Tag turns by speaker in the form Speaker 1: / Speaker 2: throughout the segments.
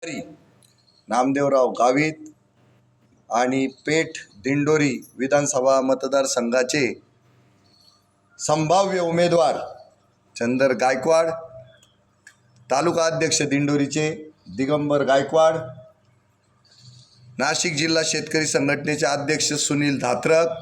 Speaker 1: नामदेवराव गावित आणि पेठ दिंडोरी विधानसभा मतदारसंघाचे संभाव्य उमेदवार चंदर गायकवाड, तालुका अध्यक्ष दिंडोरीचे दिगंबर गायकवाड, नाशिक जिल्हा शेतकरी संघटनेचे अध्यक्ष सुनील धात्रक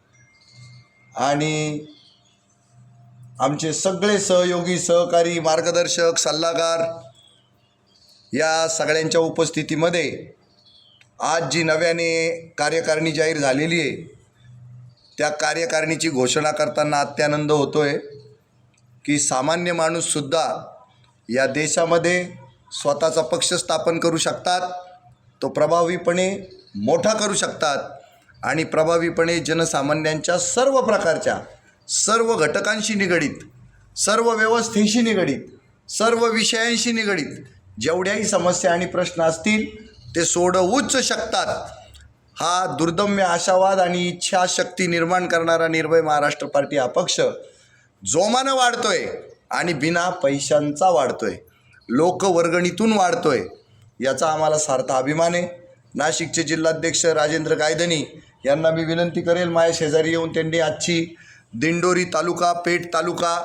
Speaker 1: आणि आमचे सगळे सहयोगी, सहकारी, मार्गदर्शक, सल्लागार या सगळ्यांच्या उपस्थितीमध्ये आज जी नव्याने कार्यकारिणी जाहीर झालेली आहे त्या कार्यकारिणीची घोषणा करताना अत्यानंद होतो आहे की सामान्य माणूससुद्धा या देशामध्ये स्वतःचा पक्ष स्थापन करू शकतात, तो प्रभावीपणे मोठा करू शकतात आणि प्रभावीपणे जनसामान्यांच्या सर्व प्रकारच्या, सर्व घटकांशी निगडीत, सर्व व्यवस्थेशी निगडीत, सर्व विषयांशी निगडीत जेवढ्याही समस्या आणि प्रश्न असतील ते सोडवूच शकतात. हा दुर्दम्य आशावाद आणि इच्छाशक्ती निर्माण करणारा निर्भय महाराष्ट्र पार्टी हा पक्ष जोमानं वाढतोय आणि बिना पैशांचा वाढतोय, लोकवर्गणीतून वाढतोय. याचा आम्हाला सार्थ अभिमान आहे. नाशिकचे जिल्हाध्यक्ष राजेंद्र गायधनी यांना मी विनंती करेल, माझ्या शेजारी येऊन त्यांनी आजची दिंडोरी तालुका, पेठ तालुका,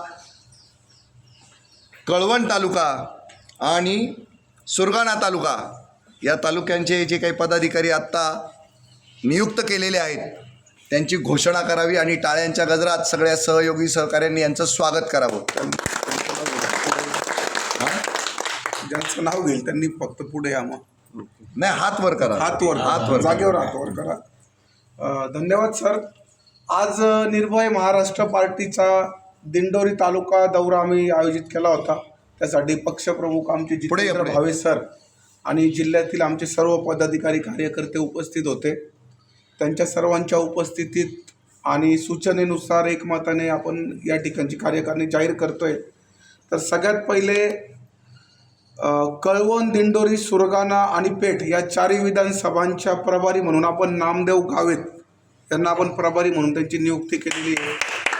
Speaker 1: कळवण तालुका आणि सुरगाणा तालुका या तालुक्यांचे जे काही पदाधिकारी आत्ता नियुक्त केलेले आहेत त्यांची घोषणा करावी आणि टाळ्यांच्या गजरात सगळ्या सहयोगी सहकाऱ्यांनी यांचं स्वागत करावं.
Speaker 2: ज्यांचं नाव घेईल त्यांनी फक्त पुढे या. मग
Speaker 1: नाही, हात वर करा,
Speaker 2: हात वर, जागेवर हात वर करा. धन्यवाद सर. आज निर्भय महाराष्ट्र पार्टीचा दिंडोरी तालुका दौरा आम्ही आयोजित केला होता. त्यासाठी पक्षप्रमुख आमचे जितेंद्र भावे सर आणि जिल्ह्यातील आमचे सर्व पदाधिकारी, कार्यकर्ते उपस्थित होते. त्यांच्या सर्वांच्या उपस्थितीत आणि सूचनेनुसार एकमताने आपण या ठिकाणची कार्यकारिणी जाहीर करतोय. तर सगळ्यात पहिले कळवण, दिंडोरी, सुरगाणा आणि पेठ या चारही विधानसभांच्या प्रभारी म्हणून आपण नामदेव गावित यांना आपण प्रभारी म्हणून त्यांची नियुक्ती केलेली आहे.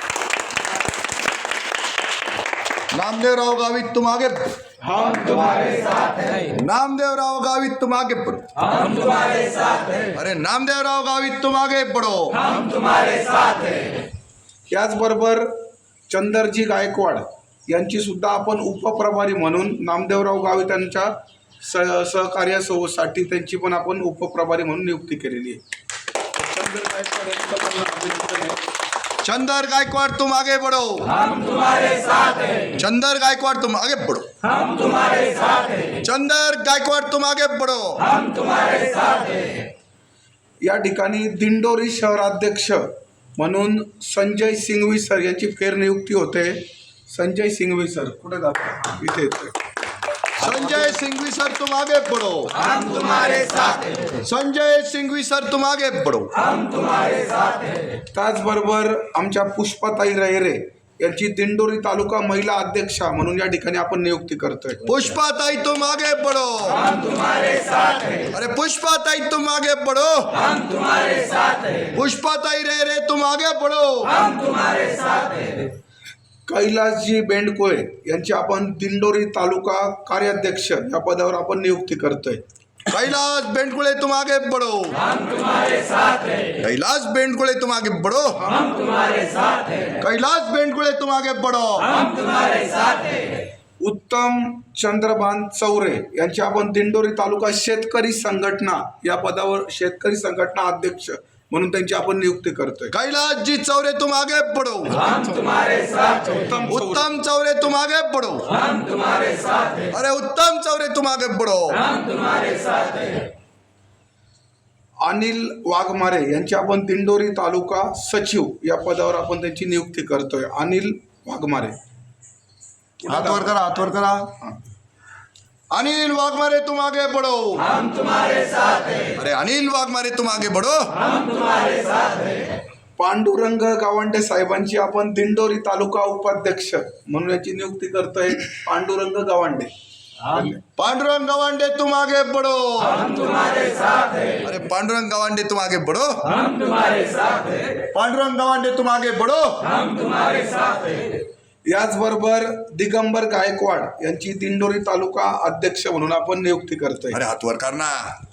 Speaker 1: नामदेवराव गावित तुम आगे,
Speaker 3: हम तुम्हारे साथ हैं.
Speaker 1: नामदेवराव गावित तुम आगे बढ़ो,
Speaker 3: हम तुम्हारे साथ हैं.
Speaker 1: अरे नामदेवराव गावित तुम आगे बढ़ो,
Speaker 3: हम तुम्हारे साथ हैं.
Speaker 2: याचबरोबर चंदरजी गायकवाड यांची सुद्धा आपण उपप्रभारी म्हणून नामदेवराव गावित यांच्या सहकार्यासाठी त्यांची पण आपण उपप्रभारी म्हणून नियुक्ती केलेली आहे. चंदर गायकवाड यांचं पण अभिनंदन आहे.
Speaker 1: चंदर गायकवाड तुम आगे बढ़ो,
Speaker 3: हम तुम्हारे साथ हैं.
Speaker 1: चंदर गायकवाड तुम आगे बढ़ो,
Speaker 3: हम तुम्हारे साथ हैं.
Speaker 1: चंदर गायकवाड तुम आगे बढ़ो.
Speaker 3: हम तुम्हारे साथ हैं.
Speaker 2: या ठिकाणी दिंडोरी शहराध्यक्ष म्हणून संजय सिंघवी सर यांची फेरनियुक्ती होते. संजय सिंघवी सर कुठे जातात? इथे येतोय.
Speaker 1: संजय सिंघवी सर तुम आगे बढ़ो,
Speaker 3: हम तुम्हारे साथ हैं.
Speaker 1: संजय सिंघवी सर तुम आगे बढ़ो.
Speaker 3: हम तुम्हारे साथ हैं.
Speaker 2: त्याचबरोबर आमच्या पुष्पाताई रहिरे यांची दिंडोरी तालुका महिला अध्यक्षा म्हणून या ठिकाणी आपण नियुक्ती करतोय.
Speaker 1: पुष्पाताई तुम आगे बढ़ो,
Speaker 3: हम तुम्हारे साथ हैं.
Speaker 1: अरे पुष्पाताई तुम आगे बढ़ो,
Speaker 3: हम तुम्हारे साथ हैं.
Speaker 1: पुष्पाताई रे तुम आगे बढ़ो.
Speaker 3: हम तुम्हारे साथ हैं.
Speaker 2: कैलासजी बेंडकोळे यांची आपण दिंडोरी तालुका कार्याध्यक्ष या पदावर आपण नियुक्ती करतोय.
Speaker 1: कैलाश बेंडकुळे तुम आगे बढ़ो,
Speaker 3: हम तुम्हारे साथ हैं.
Speaker 1: कैलाश बेंडकुळे तुम आगे बढ़ो,
Speaker 3: हम तुम्हारे साथ हैं.
Speaker 1: कैलाश बेंडकुळे तुम आगे बढ़ो.
Speaker 3: हम तुम्हारे साथ हैं.
Speaker 2: उत्तम चंद्रभान चौरे यांची आपण दिंडोरी तालुका शेतकरी संघटना या पदावर शेतकरी संघटना अध्यक्ष म्हणून त्यांची आपण नियुक्ती करतोय.
Speaker 1: कैलाश जी चौरे तुम आगे बढ़ो,
Speaker 3: हम तुम्हारे साथ हैं.
Speaker 1: उत्तम चौरे तुम आगे बढ़ो.
Speaker 3: हम तुम्हारे साथ हैं.
Speaker 1: अरे उत्तम चौरे तुम आगे बढ़ो.
Speaker 3: हम तुम्हारे साथ हैं.
Speaker 2: अनिल वाघमारे यांची आपण दिंडोरी तालुका सचिव या पदावर आपण त्यांची नियुक्ती करतोय. अनिल वाघमारे,
Speaker 1: हाथ वर करा, हाथ वर करा. अनिल वाघमारे तुम आगे बढ़ो.
Speaker 3: हम तुम्हारे साथ हैं.
Speaker 1: अरे अनिल वाघमारे तुम आगे बढ़ो.
Speaker 3: हम तुम्हारे साथ हैं.
Speaker 2: पांडुरंग गावंडे साहेबांची आपण दिंडोरी तालुका उपाध्यक्ष म्हणून याची नियुक्ती करतोय. पांडुरंग गावंडे,
Speaker 1: पांडुरंग गवांडे तुम आगे बढ़ो.
Speaker 3: हम तुम्हारे साथ हैं.
Speaker 1: अरे पांडुरंग गवांडे तुम आगे बढ़ो.
Speaker 3: हम तुम्हारे साथ हैं.
Speaker 1: पांडुरंग गवांडे तुम आगे बढ़ो.
Speaker 3: हम तुम्हारे साथ हैं.
Speaker 2: याचबरोबर दिगंबर गायकवाड यांची दिंडोरी तालुका अध्यक्ष म्हणून आपण नियुक्ती करतोय.
Speaker 1: अरे हाथ वर करना.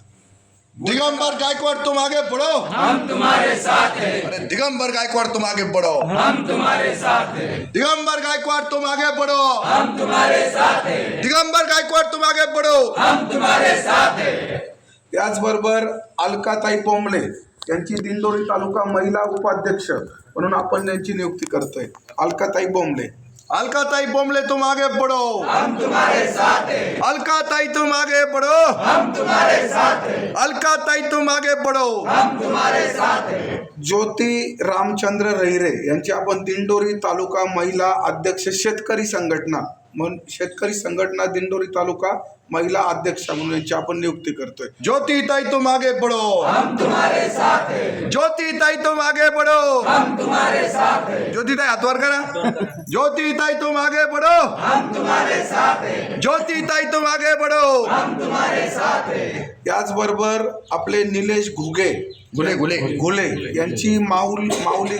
Speaker 1: दिगंबर गायकवाड़ तुम आगे बढ़ो.
Speaker 3: हम तुम्हारे साथ हैं.
Speaker 1: अरे दिगंबर गायकवाड़ तुम आगे बढ़ो.
Speaker 3: हम तुम्हारे साथ हैं.
Speaker 1: दिगंबर गायकवाड़ तुम आगे बढ़ो.
Speaker 3: हम तुम्हारे साथ हैं.
Speaker 1: दिगंबर गायकवाड़ तुम आगे बढ़ो.
Speaker 3: हम तुम्हारे साथ हैं.
Speaker 2: याचबरोबर अलकाताई बोंबले यांची दिंडोरी तालुका महिला उपाध्यक्ष म्हणून आपण त्यांची नियुक्ती करतोय. अलकाताई बोंबले.
Speaker 1: अलकाताई बोमले तुम आगे बढ़ो.
Speaker 3: हम तुम्हारे साथ हैं.
Speaker 1: अलकाताई तुम आगे बढ़ो.
Speaker 3: हम तुम्हारे साथ हैं.
Speaker 1: अलकाताई तुम आगे बढ़ो.
Speaker 3: हम तुम्हारे साथ हैं.
Speaker 2: ज्योती रामचंद्र रहिरे यांची आपण दिंडोरी तालुका महिला अध्यक्ष शेतकरी संघटना म्हणून शेतकरी संघटना दिंडोरी तालुका महिला अध्यक्ष म्हणून यांची आपण नियुक्ती करतोय.
Speaker 1: ज्योति ताई तुम आगे बढ़ो.
Speaker 3: हम तुम्हारे साथ हैं.
Speaker 1: ज्योति ताई तुम आगे बढ़ो.
Speaker 3: हम तुम्हारे साथ हैं.
Speaker 1: ज्योति ताई हाथ वर करा. ज्योति ताई तुम आगे बढ़ो.
Speaker 3: हम तुम्हारे साथ हैं.
Speaker 1: ज्योति ताई तुम आगे बढ़ो.
Speaker 3: हम तुम्हारे साथ हैं.
Speaker 2: याचबरोबर आपले निलेश घुगे
Speaker 1: गुले गुले
Speaker 2: घुले यांची माऊली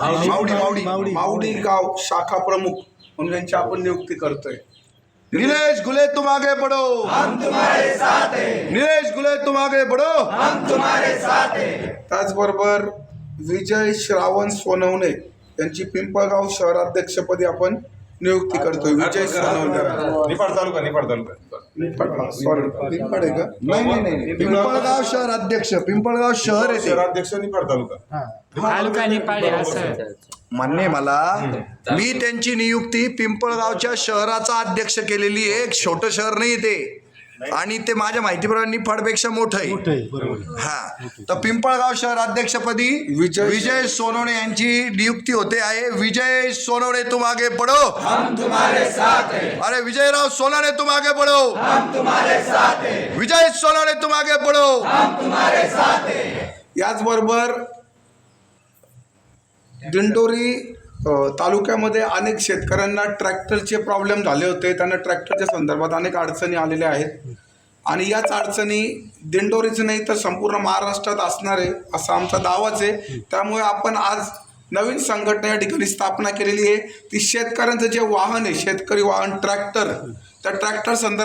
Speaker 2: गावात माऊली गाव शाखा प्रमुख म्हणून यांची आपण नियुक्ती करतोय.
Speaker 1: नीलेश गुले तुम आगे बढ़ो.
Speaker 3: हम तुम्हारे साथ हैं.
Speaker 1: नीलेश गुले तुम आगे बढ़ो.
Speaker 3: हम तुम्हारे साथ हैं.
Speaker 2: त्याचबरोबर विजय श्रावण सोनवणे यांची पिंपळगाव शहराध्यक्षपदी आपण नियुक्ती करतोय. विजय सोनवणे
Speaker 4: निफाड तालुका
Speaker 2: सॉरी पिंपळ आहे का?
Speaker 1: नाही पिंपळगाव शहर अध्यक्ष. पिंपळगाव शहर येते.
Speaker 4: शहराध्यक्ष निफाड तालुका.
Speaker 5: तालुका निपाडे असं
Speaker 1: मान्य आहे मला. मी त्यांची नियुक्ती पिंपळगावच्या शहराचा अध्यक्ष केलेली आहे. एक छोटं शहर नाही ते. आणि ते माझ्या माहितीप्रमाणे निफाडपेक्षा मोठं आहे. हा तर पिंपळगाव शहर अध्यक्षपदी विजय सोनवणे यांची नियुक्ती होते आहे. विजय सोनवणे तुम आगे बढ़ो.
Speaker 3: हम तुम्हारे साथ हैं.
Speaker 1: अरे विजयराव सोनवणे तुम आगे बढ़ो.
Speaker 3: हम तुम्हारे साथ हैं.
Speaker 1: विजय सोनवणे तुम आगे बढ़ो.
Speaker 3: हम तुम्हारे साथ हैं.
Speaker 2: याचबरोबर दिंडोरी तालुक्यामध्ये अनेक शेतकऱ्यांना ट्रॅक्टरचे प्रॉब्लेम झाले होते. त्यांना ट्रॅक्टरच्या संदर्भात अनेक अडचणी आलेल्या आहेत आणि याच अडचणी दिंडोरीच नाही तर संपूर्ण महाराष्ट्रात असणार आहे असा आमचा दावाच आहे. त्यामुळे आपण आज नवीन संघटना या ठिकाणी स्थापना केलेली आहे. ती शेतकऱ्यांचं जे वाहन आहे शेतकरी वाहन ट्रॅक्टर त्या ट्रॅक्टर संदर्भात